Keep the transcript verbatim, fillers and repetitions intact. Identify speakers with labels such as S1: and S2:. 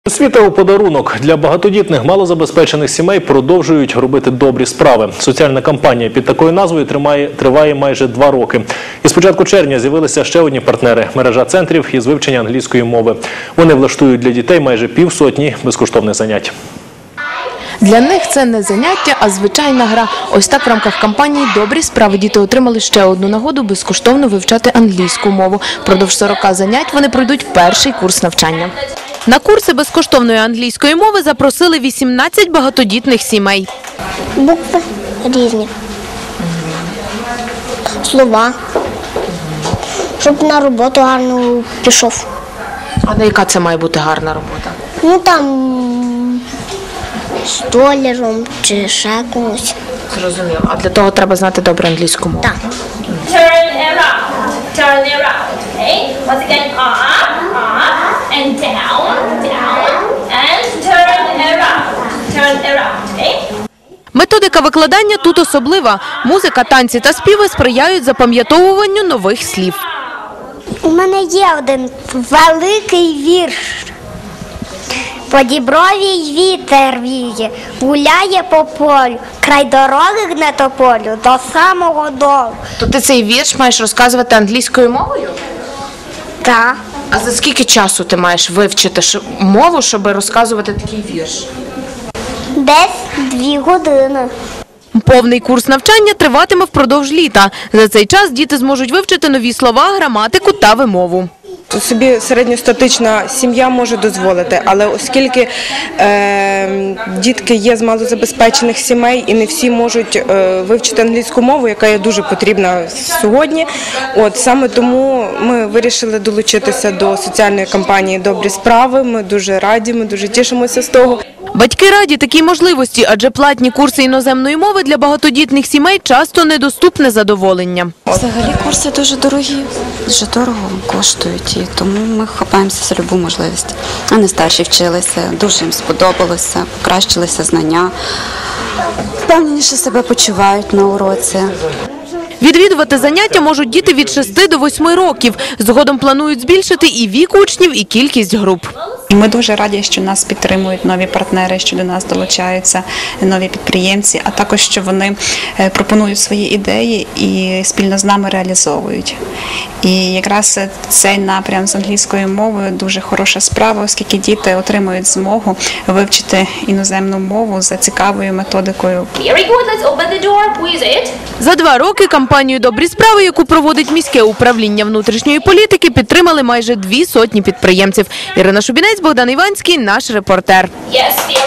S1: Освіта у подарунок. Для багатодітних малозабезпечених сімей продовжують робити добрі справи. Соціальна кампанія під такою назвою тримає, триває майже два роки. І з початку червня з'явилися ще одні партнери – мережа центрів із вивчення англійської мови. Вони влаштують для дітей майже півсотні безкоштовних занять.
S2: Для них це не заняття, а звичайна гра. Ось так в рамках кампанії «Добрі справи» діти отримали ще одну нагоду безкоштовно вивчати англійську мову. Впродовж сорока занять вони пройдуть перший курс навчання. На курси безкоштовної англійської мови запросили вісімнадцять багатодітних сімей.
S3: Букви різні, слова, щоб на роботу гарно пішов.
S2: А на яка це має бути гарна робота?
S3: Ну там столяром чи ще комусь.
S2: Зрозуміло. А для того треба знати добре англійську мову?
S3: Так.
S4: Turn around, turn around, okay? Once again, up, up, and down, down, and turn around, turn around, okay?
S2: Методика викладання тут особлива. Музика, танці та співи сприяють запам'ятовуванню нових слів.
S3: У мене є один великий вірш. По дібровій вітер віє, гуляє по полю, край дороги гне тополю до самого долу.
S2: То ти цей вірш маєш розказувати англійською мовою?
S3: Так.
S2: А за скільки часу ти маєш вивчити мову, щоб розказувати такий вірш?
S3: Десь дві години.
S2: Повний курс навчання триватиме впродовж літа. За цей час діти зможуть вивчити нові слова, граматику та вимову.
S5: Собі середньостатична сім'я може дозволити, але оскільки е, дітки є з малозабезпечених сімей і не всі можуть е, вивчити англійську мову, яка є дуже потрібна сьогодні, от саме тому ми вирішили долучитися до соціальної кампанії «Добрі справи». Ми дуже раді, ми дуже тішимося з того.
S2: Батьки раді такій можливості, адже платні курси іноземної мови для багатодітних сімей часто недоступне задоволення.
S6: Взагалі курси дуже дорогі, дуже дорого коштують, і тому ми хапаємося за любу можливість. Вони старші вчилися, дуже їм сподобалося, покращилися знання, впевненіше себе почувають на уроці.
S2: Відвідувати заняття можуть діти від шести до восьми років. Згодом планують збільшити і вік учнів, і кількість груп.
S7: І ми дуже раді, що нас підтримують нові партнери, що до нас долучаються нові підприємці, а також, що вони пропонують свої ідеї і спільно з нами реалізовують. І якраз цей напрям з англійською мовою дуже хороша справа, оскільки діти отримують змогу вивчити іноземну мову за цікавою методикою.
S4: Very good, let's open the door, who is it?
S2: За два роки кампанію «Добрі справи», яку проводить міське управління внутрішньої політики, підтримали майже дві сотні підприємців. Ірина Шубінець, Богдан Іванський, наш репортер.
S4: Yes,